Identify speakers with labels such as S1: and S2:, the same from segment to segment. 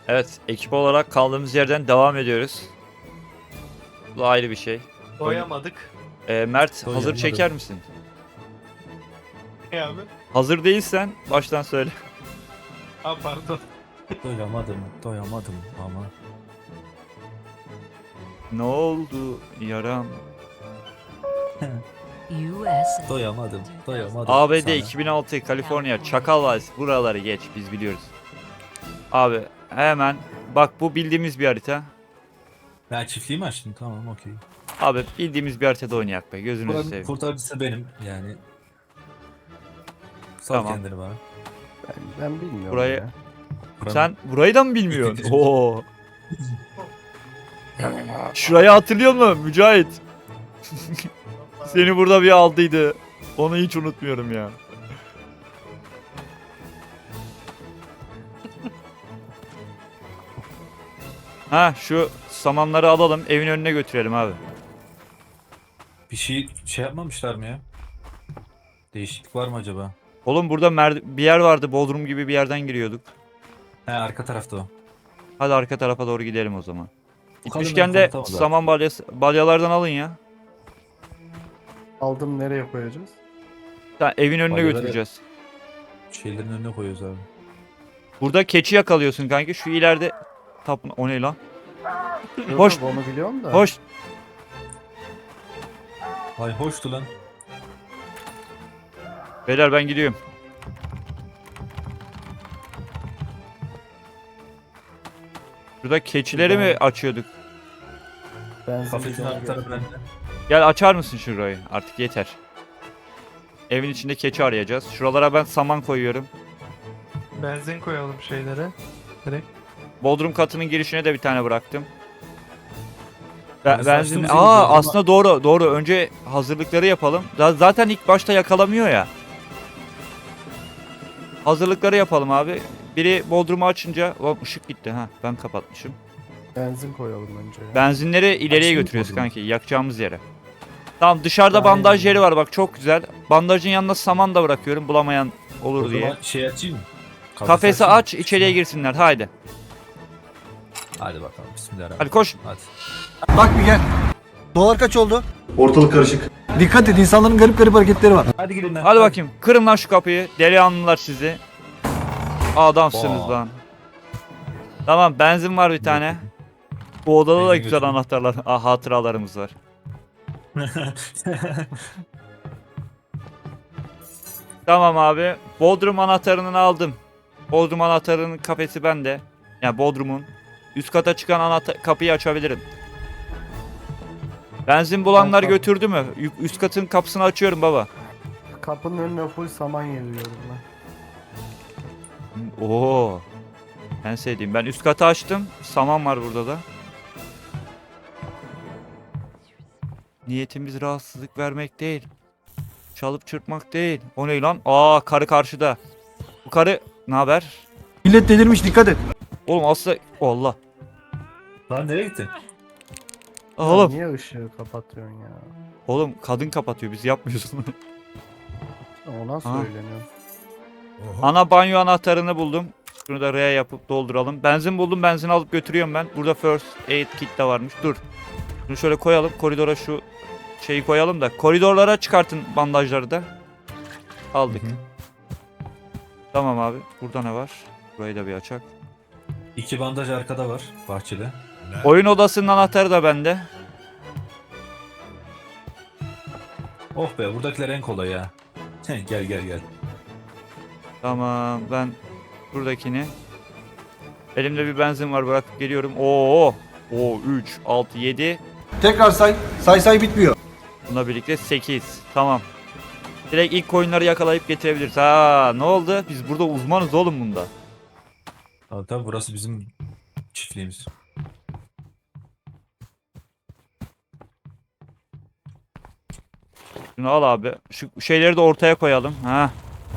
S1: Evet, ekip olarak kaldığımız yerden devam ediyoruz. Bu ayrı bir şey.
S2: Doyamadık.
S1: Mert hazır
S3: Doyamadım.
S1: çeker misin?
S2: Ne abi?
S1: Hazır değilsen baştan söyle.
S2: Ha pardon.
S3: Doyamadım ama.
S1: Ne oldu yaram?
S4: USA.
S3: Doyamadım
S1: ABD
S3: sana.
S1: 2006 Kaliforniya Çakal Vadisi, buraları geç, biz biliyoruz. Abi hemen bak, bu bildiğimiz bir harita.
S3: Ben çiftliği mi açtım? Tamam, okey.
S1: Abi bildiğimiz bir haritada oynayak be, gözünüzü
S3: Buranın
S1: seveyim.
S3: kurtarıcısı benim yani. Sal
S1: Tamam.
S3: kendini bana.
S5: Ben bilmiyorum
S1: Burayı-
S5: ya.
S3: Buranın-
S1: Sen burayı da mı bilmiyorsun?
S3: İkinci-
S1: Oo. Şurayı hatırlıyor musun Mücahit? Seni burada bir aldıydı. Onu hiç unutmuyorum ya. Ha, şu samanları alalım, evin önüne götürelim abi.
S3: Bir şey yapmamışlar mı ya? Değişiklik var mı acaba?
S1: Oğlum burada bir yer vardı, Bodrum gibi bir yerden giriyorduk.
S3: He, arka tarafta o.
S1: Hadi arka tarafa doğru gidelim o zaman.
S3: Bu kadar
S1: Gitmişken de
S3: korkutamaz abi.
S1: saman balyalardan alın ya.
S5: Aldım, nereye koyacağız?
S1: Sen evin önüne
S3: Balyaları-
S1: götüreceğiz.
S3: Şeylerin önüne koyuyoruz abi.
S1: Burada keçi yakalıyorsun kanki. Şu ileride o ne lan?
S5: Yok,
S1: Hoş.
S5: yok, onu biliyorum da.
S1: Hoş.
S3: Ay hoştu lan.
S1: Beyler ben gidiyorum. Şurada keçileri mi açıyorduk?
S5: Benzin
S3: Kafesin
S5: bidonu
S3: arka tarafı
S5: getirdim.
S3: bende.
S1: Gel açar mısın şurayı? Artık yeter. Evin içinde keçi arayacağız. Şuralara ben saman koyuyorum.
S2: Benzin koyalım şeylere. Direkt.
S1: Bodrum katının girişine de bir tane bıraktım.
S3: Yani
S1: Benzin.
S3: saçtığımız yeri
S1: Aa,
S3: Bodrum'a-
S1: aslında doğru. Önce hazırlıkları yapalım. Zaten ilk başta yakalamıyor ya. Hazırlıkları yapalım abi. Biri Bodrum'u açınca... Oğlum ışık gitti ha. Ben kapatmışım.
S5: Benzin koyalım önce ya.
S1: Benzinleri ileriye
S3: Açayım
S1: götürüyoruz
S3: Bodrum'u.
S1: kanki. Yakacağımız yere. Tamam, dışarıda
S5: Aynen.
S1: bandaj yeri var bak, çok güzel. Bandajın yanına saman da bırakıyorum, bulamayan olur
S3: O
S1: diye.
S3: zaman şey açayım mı?
S1: Kafesi
S3: açayım mı?
S1: aç, içeriye girsinler, haydi.
S3: Hadi bakalım, bismillahirrahmanirrahim.
S1: Hadi koş.
S3: Hadi.
S6: Bak bir gel. Dolar kaç oldu?
S7: Ortalık karışık.
S6: Dikkat et, insanların garip garip hareketleri var.
S3: Hadi gidin lan.
S1: Hadi bakayım, kırın lan şu kapıyı. Delihanlılar sizi. Adamsınız
S3: Vay.
S1: lan. Tamam, benzin var bir tane. Bu odada da
S3: Benzin
S1: güzel
S3: götürün.
S1: anahtarlar, hatıralarımız var. Tamam abi, Bodrum anahtarını aldım. Bodrum anahtarının kafesi bende. Yani Bodrum'un. Üst kata çıkan kapıyı açabilirim. Benzin bulanlar
S5: Ben-
S1: götürdü mü? Üst katın kapısını açıyorum baba.
S5: Kapının önüne full saman yığıyorum ben.
S1: Oo. En sevdiğim. Ben üst katı açtım. Saman var burada da. Niyetimiz rahatsızlık vermek değil. Çalıp çırpmak değil. O ne lan? Aa, karı karşıda. Bu karı ne haber?
S6: Millet delirmiş, dikkat et.
S1: Oğlum aslında Allah.
S3: Lan nereye gittin?
S1: Oğlum.
S5: Niye ışığı kapatıyorsun ya?
S1: Oğlum kadın kapatıyor, biz yapmıyoruz onu.
S5: Ona
S1: Ha.
S5: söyleniyor.
S1: Ana banyo anahtarını buldum. Şunu da R'ye yapıp dolduralım. Benzin buldum, benzin alıp götürüyorum ben. Burada first aid kit de varmış. Dur. Şunu şöyle koyalım. Koridora şu şeyi koyalım da. Koridorlara çıkartın bandajları da. Aldık.
S3: Hı hı.
S1: Tamam abi. Burada ne var? Burayı da bir açak.
S3: 2 bandaj arkada var, bahçede.
S1: Oyun odasının anahtarı da bende.
S3: Oh be, buradakiler en kolay ya. Gel gel gel.
S1: Tamam, ben buradakini. Elimde bir benzin var, bırakıp geliyorum. Oo. 3, 6, 7.
S6: Tekrar say bitmiyor.
S1: Bununla birlikte 8. Tamam. Direkt ilk coinleri yakalayıp getirebiliriz. Ha, ne oldu? Biz burada uzmanız oğlum bunda.
S3: Tabii tabii, burası bizim çiftliğimiz.
S1: Şunu al abi. Şu şeyleri de ortaya koyalım. Ha.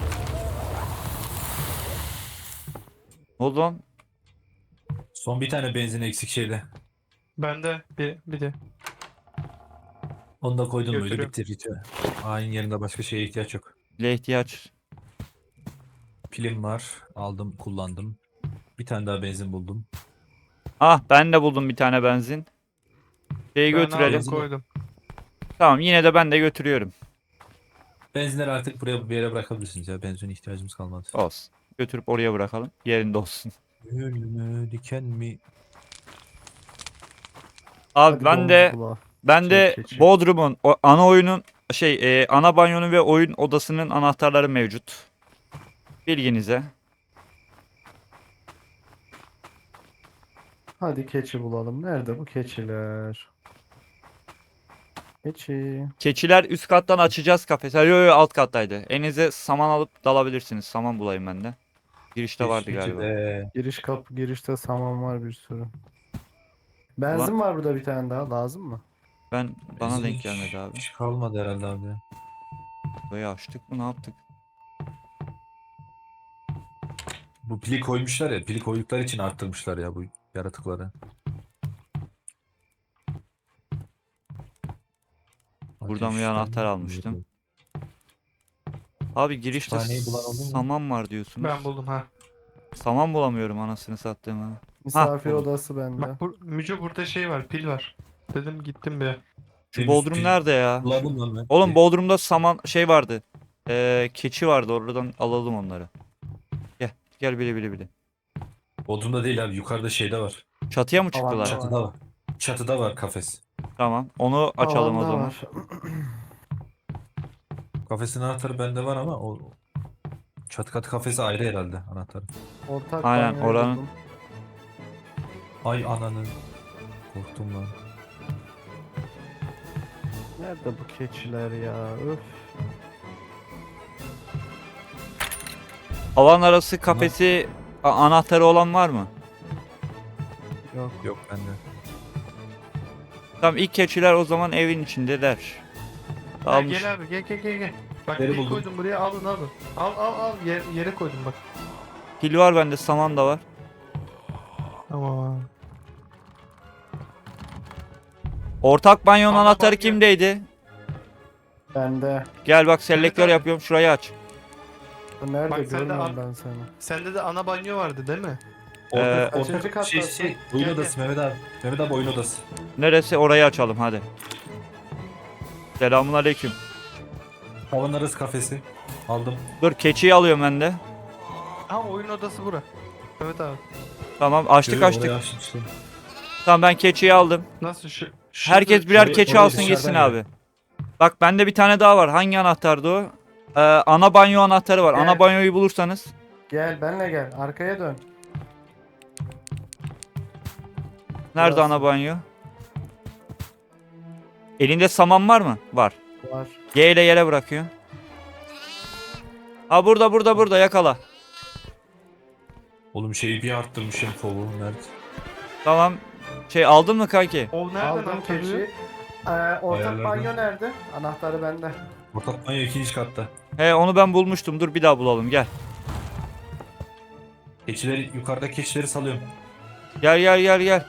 S1: Ne oldu lan?
S3: Son bir tane benzin eksik şeyde.
S2: Bende bir de.
S3: Onu da koydum, böyle
S2: Götürüyorum.
S3: bitti ritüel. Aynı yerinde başka şeye ihtiyaç yok.
S1: Bile ihtiyaç.
S3: Pilim var. Aldım, kullandım. Bir tane daha benzin buldum.
S1: Ah ben de buldum bir tane benzin. Şeyi
S2: Ben
S1: götürelim.
S2: aldım, koydum.
S1: Tamam yine de ben de götürüyorum.
S3: Benzinleri artık buraya bir yere bırakabilirsiniz ya. Benzin ihtiyacımız kalmadı.
S1: Olsun. Götürüp oraya bırakalım. Yerinde olsun.
S3: Ölümü diken mi?
S1: Abi
S5: Hadi
S1: ben
S5: domuz
S1: de
S5: kulağı.
S1: ben de
S5: Keçi.
S1: Bodrum'un ana oyunun ana banyonun ve oyun odasının anahtarları mevcut. Bilginize.
S5: Hadi keçi bulalım. Nerede bu keçiler? Keçi.
S1: Keçiler üst kattan açacağız kafesi. Yo alt kattaydı. Elinize saman alıp dalabilirsiniz. Saman bulayım ben de. Girişte vardı galiba.
S5: Giriş kapı girişte saman var bir sürü. Benzin var burada bir tane daha. Lazım mı?
S1: Bana
S3: Benzin
S1: denk
S3: hiç-
S1: gelmedi abi.
S3: Hiç kalmadı herhalde abi.
S1: Burayı açtık mı ne yaptık?
S3: Bu pili koymuşlar ya. Pili koydukları için arttırmışlar ya bu yaratıkları.
S1: Buradan bir
S3: Ateşten
S1: anahtar almıştım. Abi girişte
S3: Kütüphaneyi bulan oldu mu?
S1: saman var diyorsunuz.
S2: Ben buldum ha.
S1: Saman bulamıyorum anasını sattığım ha.
S5: Misafir
S1: buldum.
S5: odası bende.
S2: Bak Müco burada şey var, pil var. Dedim gittim bir.
S1: Şu Bodrum nerede ya?
S3: Bulalım lan ben.
S1: Oğlum Bodrum'da saman şey vardı. Keçi vardı oradan alalım onları. Gel bile.
S3: Bodrum'da değil abi. Yukarıda şeyde var.
S1: Çatıya mı çıktılar?
S5: Tamam.
S3: Çatıda var. Çatıda var kafes.
S1: Tamam onu açalım o
S5: Tavanda
S1: zaman.
S5: var.
S3: Kafesin anahtarı bende var ama o çatı katı kafesi ayrı herhalde anahtarı.
S5: Ortak
S1: Aynen,
S5: banyoyu
S1: oranın-
S5: buldum.
S3: Ay ananı. Korktum lan.
S5: Nerede bu keçiler ya? Öf.
S1: Alan arası kafesi anahtarı olan var mı?
S5: Yok.
S3: Yok bende.
S1: Tamam ilk keçiler o zaman evin içindeler.
S2: Ha,
S1: Almış.
S2: gel abi gel. Bak
S3: Yeri
S2: pil
S3: buldum.
S2: koydum buraya, alın. Al yere koydum bak.
S1: Pil var bende saman da var.
S2: Tamam.
S1: Ortak banyonun
S2: Ana
S1: anahtarı
S2: banyo.
S1: kimdeydi?
S5: Bende.
S1: Gel bak selektör
S2: abi.
S1: yapıyorum şurayı aç.
S5: Bu nerede?
S2: Bak sen de
S5: Görmüyorum
S2: al.
S5: ben seni.
S2: Sende de ana banyo vardı değil mi?
S5: Kaçıncı kattasın?
S3: Oyun
S2: Gel,
S3: odası Mehmet abi. Mehmet abi oyun odası.
S1: Neresi orayı açalım hadi. Selamun aleyküm.
S3: Havan arası kafesi. Aldım.
S1: Dur keçiyi alıyorum ben de.
S2: Ha, oyun odası bura. Evet abi.
S1: Tamam açtık
S3: Görüyorum,
S1: açtık.
S3: orayı açtım işte.
S1: Tamam ben keçiyi aldım.
S2: Nasıl şu?
S1: Herkes birer
S3: şurayı-
S1: keçi
S3: orayı
S1: alsın
S3: dışarıdan
S1: gitsin
S3: gel.
S1: abi. Bak bende bir tane daha var. Hangi anahtardı o? Ana banyo anahtarı var. Ana
S5: Evet.
S1: banyoyu bulursanız.
S5: Gel benle gel. Arkaya dön.
S1: Nerede
S5: Burası.
S1: ana banyo? Elinde saman var mı? Var.
S5: Var.
S1: G ile yere bırakıyor. Ha burada yakala.
S3: Oğlum şeyi bir arttırmışım kolu. Nerede?
S1: Tamam. Aldın mı kanki?
S2: O nereden
S5: Aldım
S2: anahtarı?
S5: keçi. Ortak
S3: Ayarlardan.
S5: banyo nerede? Anahtarı bende.
S3: Ortak banyo ikinci katta.
S1: He onu ben bulmuştum. Dur bir daha bulalım gel.
S3: Keçileri yukarıda keçileri salıyorum.
S1: Gel.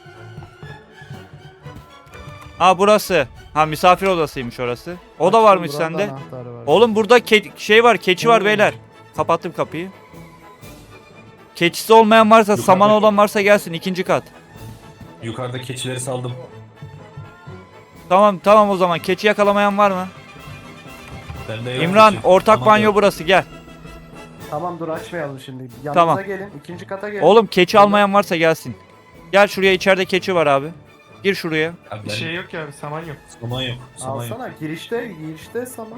S1: Ha burası. Ha misafir odasıymış orası. O da
S5: Açtım,
S1: varmış
S5: buranın da
S1: sende.
S5: anahtarı var.
S1: Oğlum burada şey var, keçi var
S5: Hmm.
S1: beyler. Kapattım kapıyı. Keçisi olmayan varsa,
S3: Yukarıda-
S1: saman olan varsa gelsin ikinci kat.
S3: Yukarıda keçileri saldım.
S1: Tamam o zaman. Keçi yakalamayan var mı?
S3: Bende yok
S1: İmran
S3: keçi.
S1: ortak
S3: Aman
S1: banyo
S3: yok.
S1: burası gel.
S5: Tamam dur açmayalım şimdi. Yanımıza
S1: Tamam.
S5: gelin. İkinci kata gelin.
S1: Oğlum keçi
S5: Burada-
S1: almayan varsa gelsin. Gel şuraya içeride keçi var abi. Gir şuraya.
S3: Abi
S2: Bir şey yok ya abi, saman yok.
S3: Saman yok. Saman yok.
S5: Alsana girişte saman.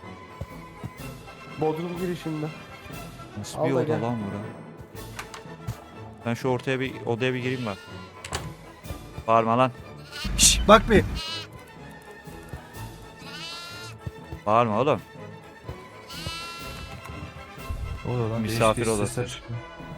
S5: Bodrum girişinde.
S1: Nasıl
S5: Al
S1: bir
S5: da
S1: oda
S5: gel.
S1: lan bura? Ben şu odaya bir gireyim bak. Bağırma lan.
S6: Şş, bak bir.
S1: Bağırma oğlum.
S3: O da lan
S1: Misafir
S3: değişik
S1: odası.
S3: sesler çıkıyor.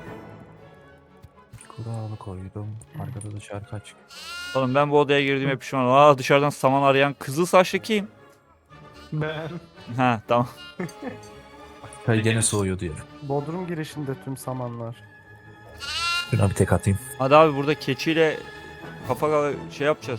S3: Kuralı koydum. Arkada da şarkı açık.
S1: Oğlum ben bu odaya girdiğime pişman oldum. Aa dışarıdan saman arayan kızıl saçlı kim?
S2: Ben.
S1: Ha tamam.
S3: Çay gene soğuyordu ya.
S5: Bodrum girişinde tüm samanlar.
S3: Şuna bir tek atayım.
S1: Hadi abi burada keçiyle kafa şey yapacağız.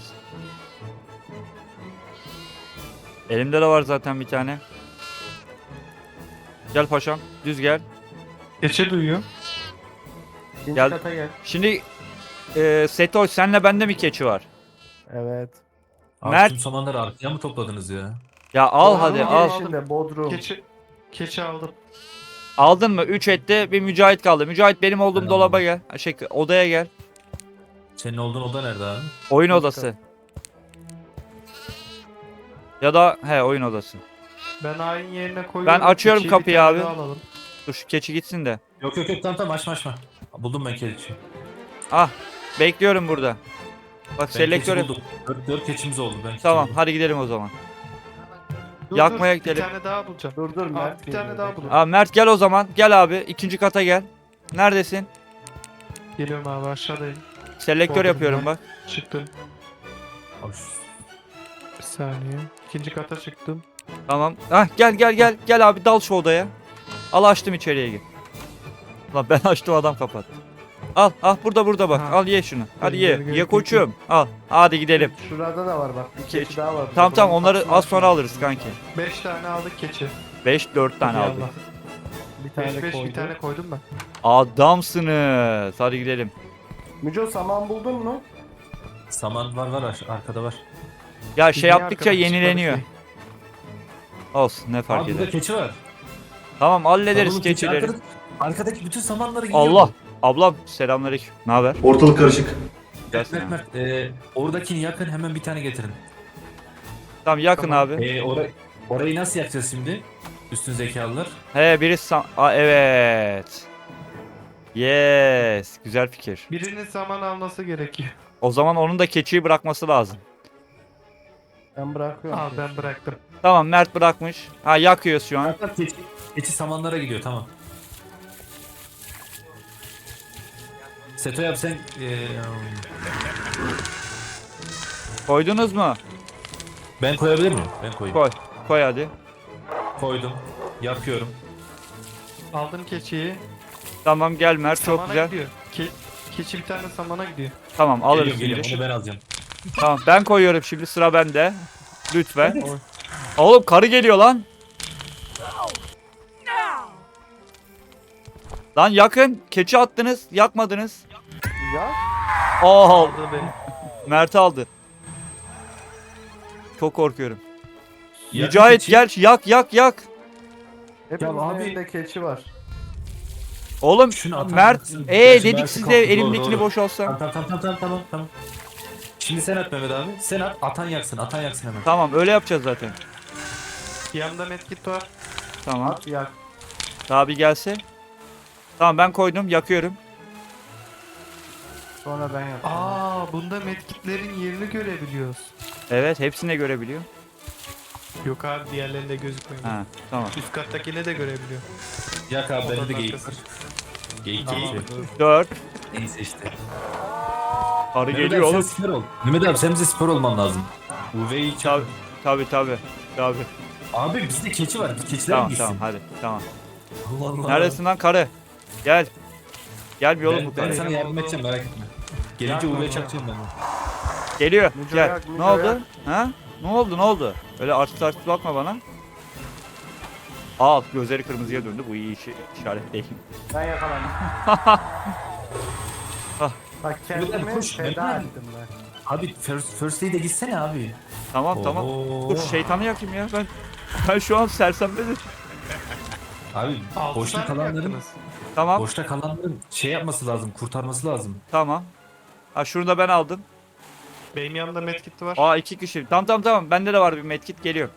S1: Elimde de var zaten bir tane. Gel paşam düz gel.
S2: Keçi duyuyor.
S5: İkinci
S1: Gel.
S5: kata gel.
S1: Şimdi Setoş senle bende mi keçi var?
S5: Evet.
S3: Abi
S1: Mert-
S3: tüm samanları arkaya mı topladınız ya?
S1: Ya al
S2: Bodrum
S1: hadi al.
S5: Girişinde Bodrum.
S2: Keçi aldım.
S1: Aldın mı? 3 etti. Bir Mücahit kaldı. Mücahit benim olduğum
S3: Ben
S1: dolaba
S3: aldım.
S1: gel. Şey, odaya gel.
S3: Senin olduğun oda nerede abi?
S1: Oyun
S5: İkinci
S1: odası. Ya da oyun odası.
S2: Ben ayin yerine koyuyorum.
S1: Ben açıyorum
S2: Keçiyi bir
S1: kapıyı
S2: tane
S1: abi.
S2: daha alalım.
S1: Dur şu keçi gitsin de.
S3: Yok tamam açma. Buldum ben keçi.
S1: Ah bekliyorum burada. Bak
S3: Ben
S1: selektör
S3: keçi
S1: yap.
S3: buldum. 4 keçimiz oldu ben keçi
S1: Tamam
S3: buldum.
S1: hadi gidelim o zaman.
S2: Dur,
S1: Yakmaya
S2: dur,
S1: gidelim.
S2: Bir tane daha bulacağım.
S5: Dur Mert.
S2: Abi bir tane
S5: geliyor,
S2: daha
S5: bekle.
S2: bulalım.
S1: Aa Mert gel o zaman. Gel abi. İkinci kata gel. Neredesin?
S2: Geliyorum abi aşağıdayım.
S1: Selektör
S2: Bodrum'da.
S1: yapıyorum bak.
S2: Çıktım.
S3: Abi
S2: Bir saniye. İkinci kata çıktım.
S1: Tamam. Ah gel. Gel abi dal şu odaya. Al açtım içeriye gir. Lan ben açtım adam kapattı. Al burada bak.
S2: Ha.
S1: Al ye şunu. Hadi ye.
S2: Gel,
S1: Ye koçum. Al. Hadi gidelim.
S5: Şurada da var bak. Bir keçi daha var.
S1: Tamam
S5: Bodrum'un
S1: onları
S5: kapısını
S1: az sonra
S5: açma.
S1: alırız kanki.
S2: 5 tane aldık keçi.
S1: 5-4 tane
S2: Hadi
S1: aldık.
S2: Allah.
S5: Bir tane
S2: 5
S5: koydum.
S2: bir tane koydum ben.
S1: Adamsınız. Hadi gidelim.
S5: Müco saman buldun mu?
S3: saman var arkada var.
S1: Ya
S2: Biz
S1: şey
S2: niye
S1: yaptıkça
S2: arkadan
S1: yenileniyor.
S2: çıkmadık ki?
S1: Olsun ne fark
S3: Abi burada
S1: eder.
S3: keçi var.
S1: Tamam hallederiz
S3: Sarılı keçi.
S1: keçileri.
S3: Arkadaki bütün samanları yiyor.
S1: Allah. Ablam selamünaleyküm. Ne haber?
S6: Ortalık karışık.
S3: Mert, oradakini yakın hemen bir tane getirin.
S1: Tamam yakın
S2: Tamam.
S1: abi.
S3: Orayı nasıl yakacağız şimdi? Üstün zekalılar.
S1: Biri evet. Yes. Güzel fikir.
S2: Birinin zaman alması gerekiyor.
S1: O zaman onun da keçiyi bırakması lazım.
S5: Ben bırakıyorum.
S2: Al ben bıraktım.
S1: Tamam Mert bırakmış. Ha yakıyoruz şu an.
S3: Hatta keçi samanlara gidiyor tamam. Seto yap sen
S1: Koydunuz mu?
S3: ben koyabilir miyim? Ben koyayım.
S1: Koy. Koy hadi.
S3: Koydum. Yakıyorum.
S2: Aldım keçiyi.
S1: Tamam gel Mert çok
S2: Samana
S1: güzel.
S2: gidiyor. Keçi bir tane samana gidiyor.
S1: Tamam alırız
S3: Geliyorum,
S1: şimdi.
S3: onu ben alacağım.
S1: Tamam ben koyuyorum şimdi sıra bende. Lütfen. Oğlum karı geliyor lan. Lan yakın. Keçi attınız. Yakmadınız.
S5: Ya
S1: Aa,
S2: Aldı beni.
S1: Mert aldı. Çok korkuyorum.
S3: Yakın
S1: Mücahit
S3: keçi.
S1: gel yak.
S5: hepimizin
S3: abi-
S5: elinde keçi var.
S1: Oğlum
S3: Şunu atar
S1: Mert
S3: mısın?
S1: dedik
S3: Mert'i
S1: size
S3: kaldır.
S1: elimdekini
S3: Doğru.
S1: boşaltsam.
S3: Tamam. Şimdi sen at Mehmet abi. Sen at. Atan yaksın hemen.
S1: Tamam öyle yapacağız zaten.
S2: Yanımda medkit var.
S1: Tamam.
S5: At yak.
S1: Daha bir gelse. Tamam ben koydum yakıyorum.
S5: Sonra ben yapacağım.
S2: Bunda medkitlerin yerini görebiliyoruz.
S1: Evet hepsini görebiliyor.
S2: Yok abi diğerlerinde gözükmüyor.
S1: Ha tamam.
S2: Üst kattakine de görebiliyor.
S3: Yak abi bende de
S2: Odanın
S3: geyik
S2: arkası.
S3: var. Geyik
S2: Tamam.
S3: geçiyor.
S1: 4.
S3: Neyse işte.
S1: Karı
S3: Mehmet
S1: geliyor
S3: abi sen
S1: oğlum.
S3: spor ol. Mehmet abi sen bize spor olman lazım. UV'yi çağır.
S1: Tabi.
S3: Abi bizde keçi var. Keçiler mi
S1: Tamam
S3: gitsin?
S1: hadi tamam.
S3: Allah Allah.
S1: Neredesin lan karı? Gel. Gel bir oğlum bu
S3: Ben
S1: karı.
S3: sana yardım edeceğim merak etme. Gelince
S2: Yakma
S3: UV
S2: ya.
S3: çakacağım ben.
S1: Geliyor.
S5: Müco
S1: Gel.
S5: yak, Müco
S1: Ne oldu?
S5: yak.
S1: Ha? Ne oldu? Öyle arsız bakma bana. Gözleri kırmızıya döndü. Bu iyi işaret değil.
S5: Ben yakalandım.
S1: Ah.
S5: Bak
S3: Müco abi
S5: kendimi
S3: koş,
S5: feda
S3: Mehmet abi.
S5: ettim ben.
S3: Abi first aid'e gitsene abi.
S1: Tamam.
S3: Oo.
S1: Dur şeytanı yakayım ya. Ben şu an sersemledim.
S3: Abi
S2: Altı
S3: boşta
S2: tane mi
S3: kalanların
S2: yaktınız?
S1: Tamam.
S3: boşta kalanların şey yapması lazım, kurtarması lazım.
S1: Tamam. Ha şunu da ben aldım.
S2: Benim yanımda medkit var.
S1: 2 kişi. Tamam. Bende de var bir medkit geliyor.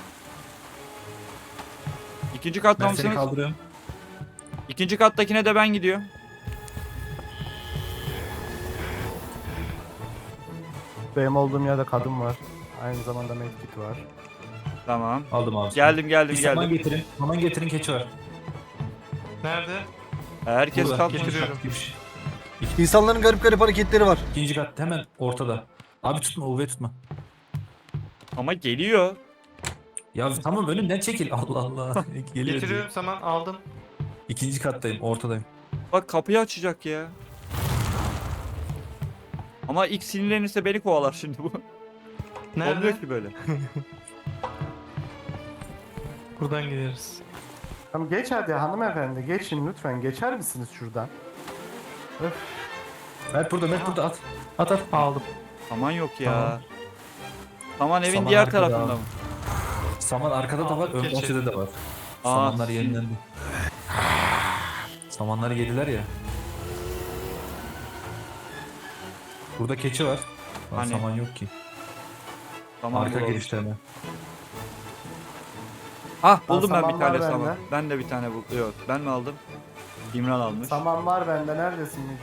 S1: İkinci katta
S3: Ben seni
S1: mısınız?
S3: kaldırıyorum.
S1: İkinci kattakine de ben gidiyorum.
S5: Benim olduğum yerde kadın var. Aynı zamanda medkit var.
S1: Tamam.
S3: Aldım abi.
S1: Geldim.
S3: Bir saman getirin. Saman getirin keçi var.
S2: Nerede?
S1: Herkes
S3: Burada,
S1: kalkmış.
S2: getiriyorum.
S6: İnsanların garip garip hareketleri var.
S3: İkinci kat hemen ortada. Abi tutma UV tutma.
S1: Ama geliyor.
S3: Ya tamam önümden çekil. Allah Allah. Geliyor.
S2: Getiriyorum saman aldım.
S3: İkinci kattayım, ortadayım.
S1: Bak kapıyı açacak ya. Ama ilk sinirlenirse beni kovalar şimdi bu.
S2: Nerede?
S1: Olmuyor ki böyle.
S2: Buradan gideriz.
S5: Tamam geç hadi hanımefendi geçin lütfen geçer misiniz şuradan?
S3: Mert burada at. At.
S2: Aldım.
S1: Saman yok ya.
S3: Tamam.
S1: Saman evin
S3: Saman
S1: diğer
S3: arkada
S1: tarafında
S3: abi.
S1: mı?
S3: Saman arkada da var, ön
S2: Keçi.
S3: bahçede de var.
S1: Aa,
S3: Samanlar yenilendi. Samanları yediler ya. Burada keçi var. Lan
S1: Hani?
S3: saman yok ki.
S1: Saman
S3: Arka
S1: bulalım.
S3: girişte mi?
S1: Ah buldum ben
S5: saman
S1: bir tane
S5: var
S1: saman.
S5: bende.
S1: Ben de bir tane buldum. Yok ben mi aldım? İmran almış.
S5: Saman var bende. Neredesin Mico?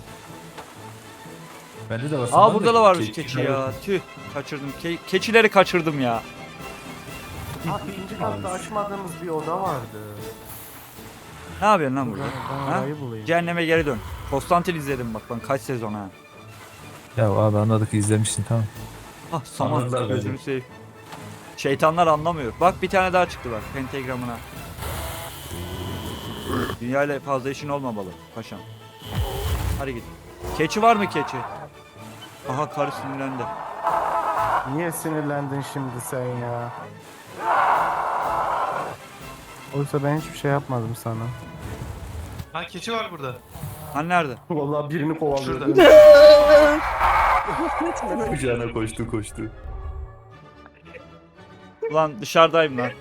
S3: Bende de var saman.
S1: Aa burada da varmış
S3: keçi
S1: keçi ya. Tüh kaçırdım. Keçileri kaçırdım ya.
S5: Ha, ikinci katta açmadığımız bir oda vardı.
S1: Ne yapıyorsun lan burada?
S5: Ben
S1: Ha?
S5: orayı bulayım.
S1: Cehenneme geri dön. Konstantin izledim bak ben kaç sezon ha.
S3: Ya abi anladık, izlemişsin tamam.
S1: Ah saman
S3: Anladılar
S1: gözünü
S3: bence.
S1: seveyim. Şeytanlar anlamıyor. Bak bir tane daha çıktı bak pentagramına. Dünyayla fazla işin olmamalı paşam. Hadi git. Keçi var mı keçi? Aha karı sinirlendi.
S5: Niye sinirlendin şimdi sen ya? Oysa ben hiçbir şey yapmadım sana.
S2: Ha keçi var burada.
S1: Hani nerede?
S5: Vallahi birini kovalıyordum.
S2: Şurada.
S3: Kucağına koştu.
S1: Ulan dışarıdayım lan.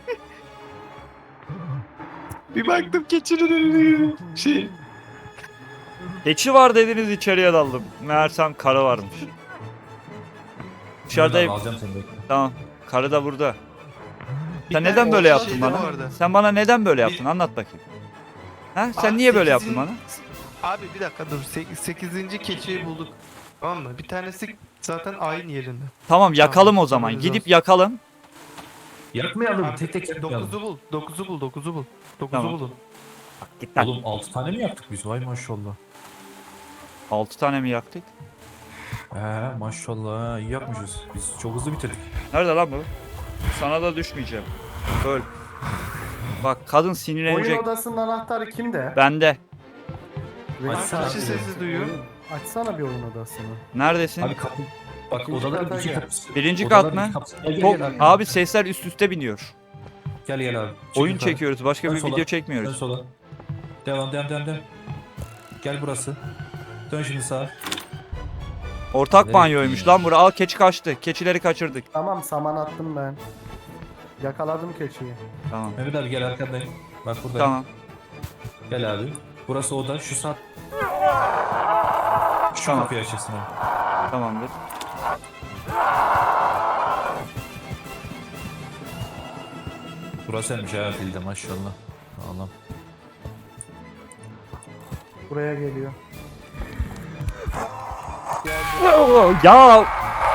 S2: Bir baktım keçinin önüne. Şey.
S1: Keçi var dediniz içeriye daldım. Meğersem karı varmış. Dışarıdayım.
S3: Alacağım seni bekle.
S1: Tamam. Karı da burada. Sen
S2: Bir
S1: neden
S2: tane
S1: böyle
S2: orta
S1: yaptın
S2: şeyde
S1: bana?
S2: vardı.
S1: Sen bana neden böyle yaptın? Anlat bakayım. Ha? Sen
S2: Abi
S1: niye böyle yaptın
S2: sekizin-
S1: bana?
S2: Abi bir dakika dur. 8. keçiyi bulduk. Tamam mı? Bir tanesi zaten aynı yerinde.
S1: Tamam yakalım o zaman.
S2: haberiniz
S1: Gidip
S2: olsun.
S1: yakalım.
S3: Yakmayalım, tek tek yakmayalım.
S2: 9'u bul. 9'u bul. 9'u bul. 9'u
S1: Tamam.
S2: bulun.
S1: Git lan.
S3: Oğlum 6 tane mi yaptık biz? Vay maşallah.
S1: 6 tane mi yaktık?
S3: Maşallah ha, iyi yapmışız. Biz çok hızlı bitirdik.
S1: Nerede lan bu? Sana da düşmeyeceğim. Öl. Bak kadın
S5: Oyun
S1: sinirlenecek.
S5: odasının anahtarı kimde?
S1: Bende.
S5: Açsana
S2: Kişi
S5: bir-
S2: sesi duyuyor.
S5: Açsana bir oyun odasını.
S1: Neredesin?
S3: Abi kapı. Bak
S5: İkinci
S3: odaların
S5: kata
S3: iki
S5: gel.
S3: kapısı.
S1: Birinci
S3: Odaların
S1: kat mı?
S3: iki kapısı. Gel
S1: Çok-
S3: gel.
S1: Abi sesler üst üste biniyor.
S3: Gel abi. Çık
S1: Oyun
S3: yukarı.
S1: çekiyoruz. Başka
S3: Dön
S1: bir
S3: sola.
S1: video
S3: Dön
S1: çekmiyoruz.
S3: sola. Devam. Gel burası. Dön şimdi sağa.
S1: Ortak
S3: Nereye
S1: banyoymuş
S3: gittin ya?
S1: lan bura. Al keçi kaçtı. Keçileri kaçırdık.
S5: Tamam saman attım ben. Yakaladım keçiyi.
S1: Tamam.
S3: Mehmet abi gel arkandayım. Bak buradayım.
S1: Tamam.
S3: Gel abi. Burası oda. Şu saat. Şu
S1: Tamam.
S3: kapıyı açacaksın abi.
S1: Tamamdır.
S3: Burasıymış ha dilde maşallah. Allah'ım.
S5: Buraya geliyor.
S1: Ya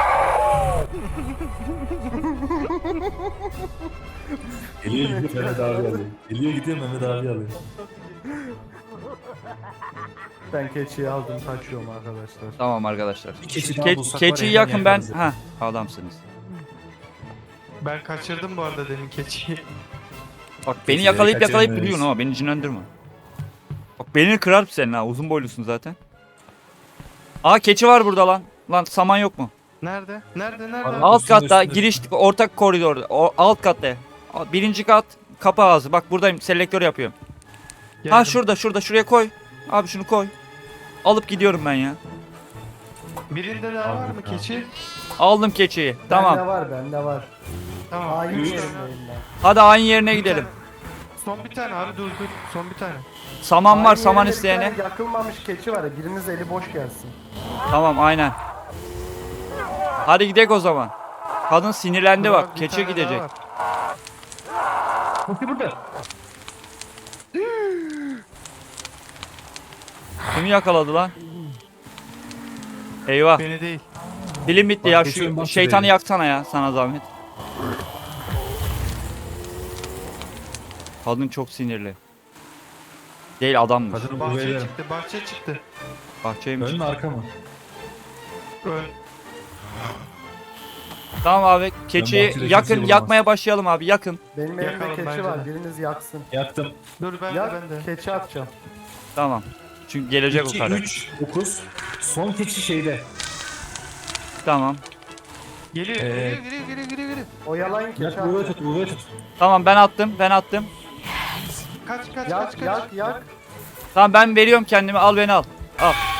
S3: Geliyor gidiyor Mehmet abi alıyor. Geliyor gidiyor Mehmet abi alıyor.
S5: Ben keçiyi aldım kaçıyorum arkadaşlar.
S1: tamam arkadaşlar.
S3: Bir keçi daha bulsak var ya,
S1: Keçiyi
S3: hemen
S1: yakın ben.
S3: yakarız ya.
S1: Ha adamsınız.
S2: Ben kaçırdım bu arada demin keçiyi.
S1: Bak beni
S3: Keçileri
S1: yakalayıp
S3: kaçıramayız.
S1: duruyorsun ama beni cinlendirme. Bak belini kırar senin ha. Uzun boylusun zaten. Aa keçi var burada lan. Lan saman yok mu?
S2: Nerede? Nerede?
S3: Abi,
S1: Alt
S3: üstünde,
S1: katta
S3: üstünde.
S1: giriş ortak koridorda. Alt katta. Birinci kat kapı ağzı. Bak buradayım selektör yapıyorum. Ha
S2: Geldim.
S1: şuraya koy. Abi şunu koy. Alıp gidiyorum ben ya.
S2: Birinde daha var mı
S3: Abi,
S2: keçi?
S1: Aldım keçiyi.
S5: Bende
S1: Tamam.
S5: var bende var.
S2: Tamam.
S5: Aynı
S2: Üç
S5: yerindeyim
S2: tane.
S5: ben.
S1: Hadi aynı yerine
S2: Bir
S1: gidelim.
S2: tane. Son bir tane abi dur. Son bir tane.
S1: Saman var
S5: Aynı
S1: saman
S5: yerinde bir
S1: isteyene.
S5: tane yakılmamış keçi var ya. Biriniz eli boş gelsin.
S1: Tamam aynen. Hadi gidelim o zaman. Kadın sinirlendi
S2: Dur
S1: bak.
S2: abi, bir
S1: Keçi
S2: tane daha
S1: gidecek.
S2: var.
S3: Bakın burada.
S1: Kimi yakaladı lan? Eyvah.
S2: Beni değil.
S1: Dilim bitti
S3: Bak,
S1: ya.
S3: geçiyorum,
S1: Şu
S3: bak
S1: şeytanı
S3: şuraya.
S1: yaksana ya sana zahmet. Kadın çok sinirli. Değil adammış.
S3: Kadını
S2: Bahçeye
S3: buraya
S2: çıktı. Bahçeye çıktı.
S1: Bahçeymiş.
S3: ön mü arka mı?
S2: Ön.
S1: Tamam abi keçiyi
S3: bahçede
S1: yakın
S3: kimseyi
S1: yakmaya başlayalım abi yakın.
S5: Benim elimde
S2: Yakalım
S5: keçi
S2: bence
S5: var.
S2: de.
S5: Biriniz yaksın.
S3: Yaktım.
S2: Dur ben de
S5: Yak
S2: ben de.
S5: keçi atacağım.
S1: Tamam. Çünkü gelecek o
S3: 2,
S1: karı.
S3: 3, 9. Son keçi şeyde.
S1: Tamam.
S2: Geliyor.
S3: Ee,
S2: Geliyor.
S5: Oyalayın keçi
S3: Yak buraya
S5: atacağım.
S3: tut, buraya tut.
S1: Tamam ben attım.
S2: Kaç.
S5: Yak yak yak.
S1: Tamam ben veriyorum kendimi al beni al. Al.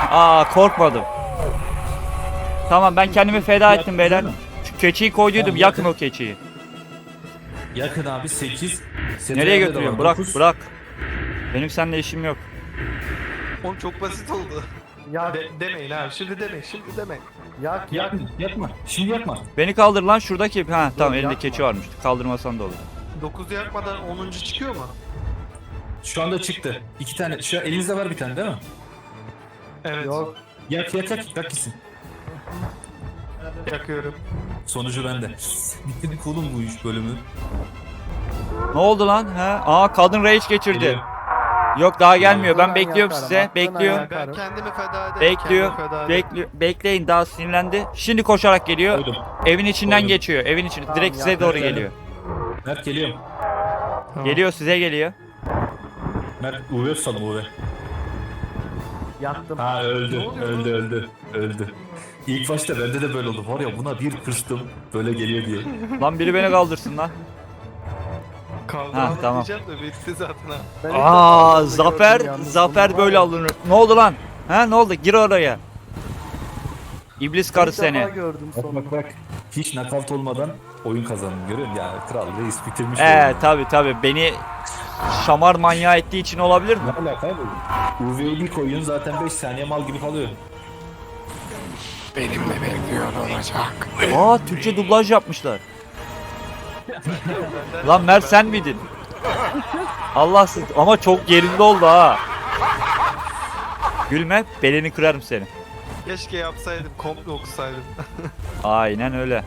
S1: Aa korkmadım. Tamam ben kendimi feda ettim beyler. Şu keçiyi koyduydum.
S3: Tamam,
S1: Yakın
S3: yakın.
S1: o keçiyi.
S3: Yakın abi 8.
S1: Nereye götürüyorsun? Bırak bırak. Benim seninle işim yok.
S2: Oğlum çok basit oldu.
S5: Yak,
S2: Demeyin abi. Şimdi demeyin. Şimdi demeyin.
S5: yak.
S3: Yakma, yakma. Şimdi yakma.
S1: Beni kaldır lan şuradaki. Ha tamam elinde
S5: yapma.
S1: keçi varmış. Kaldırmasan da olur.
S2: 9'u yakmadan 10. çıkıyor mu?
S3: Şu anda çıktı. 2 tane. Şu an elinizde var bir tane değil mi?
S2: Evet.
S5: Yok.
S3: Yak gitsin.
S2: Yakıyorum.
S3: Sonucu bende. Bitirdik oğlum bu iş bölümü.
S1: Ne oldu lan? Ha? Aa kadın rage geçirdi.
S3: Geliyor.
S1: Yok daha gelmiyor. Ben
S5: Aklından
S1: bekliyorum
S5: yakarım,
S1: size.
S5: aklından
S1: Bekliyorum.
S5: yakarım.
S2: Ben kendimi feda ederim.
S1: Bekliyor.
S2: kendimi feda ederim.
S1: Bekleyin daha sinirlendi. Şimdi koşarak geliyor.
S3: Koydum.
S1: Evin içinden
S3: Koydum.
S1: geçiyor. Evin içine.
S5: Tamam,
S1: Direkt size
S5: ya,
S1: doğru
S3: ben
S1: geliyor.
S3: Mert geliyorum.
S2: Tamam.
S1: Geliyor size geliyor.
S3: Mert UV tutalım UV.
S5: Yaktım.
S3: Ha öldü.
S2: Ne oluyor
S3: Öldü. İlk başta bende de böyle oldu. Var ya buna bir kırstım. Böyle geliyor diye.
S1: Lan biri beni kaldırsın lan.
S2: Kaldıramadım
S1: tamam.
S2: diyeceğim de bitti zaten ha.
S5: Ben ilk
S1: Aa
S5: defa
S1: zafer
S5: gördüm yalnız
S1: zafer
S5: bunu.
S1: böyle alınır. Ne oldu lan? Ha ne oldu? Gir oraya. İblis karı
S5: İlk defa
S1: seni.
S5: gördüm
S3: Bak
S5: sonunda.
S3: bak bak. Hiç nakavt olmadan oyun kazandım görüyor musun? Ya kral reis bitirmiş.
S1: Tabi beni şamar manyağı ettiği için olabilir mi?
S3: Ne alaka abi? UV'yi bir koyun zaten 5 saniye mal gibi kalıyor.
S1: Aa Türkçe dublaj yapmışlar. Lan Mert sen miydin? Allahsız ama çok yerinde oldu ha. Gülme belini kırarım seni.
S2: Keşke yapsaydım. Komple okusaydım.
S1: Aynen öyle.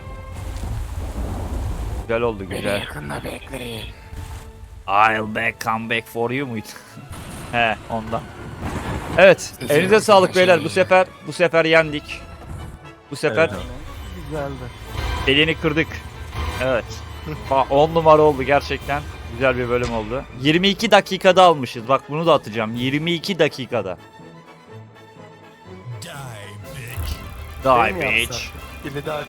S1: Güzel oldu güzel.
S4: Yakında bekleyin.
S1: I'll come back for you muydu? He ondan. Evet elinize sağlık beyler bu sefer yendik. Bu sefer
S3: Evet abi.
S5: Güzeldi.
S1: elini kırdık. Evet. 10 numara oldu gerçekten. Güzel bir bölüm oldu. 22 dakikada almışız. Bak bunu da atacağım. 22 dakikada. Die
S5: Şey mi
S1: bitch.
S5: yapsak?
S2: Bir daha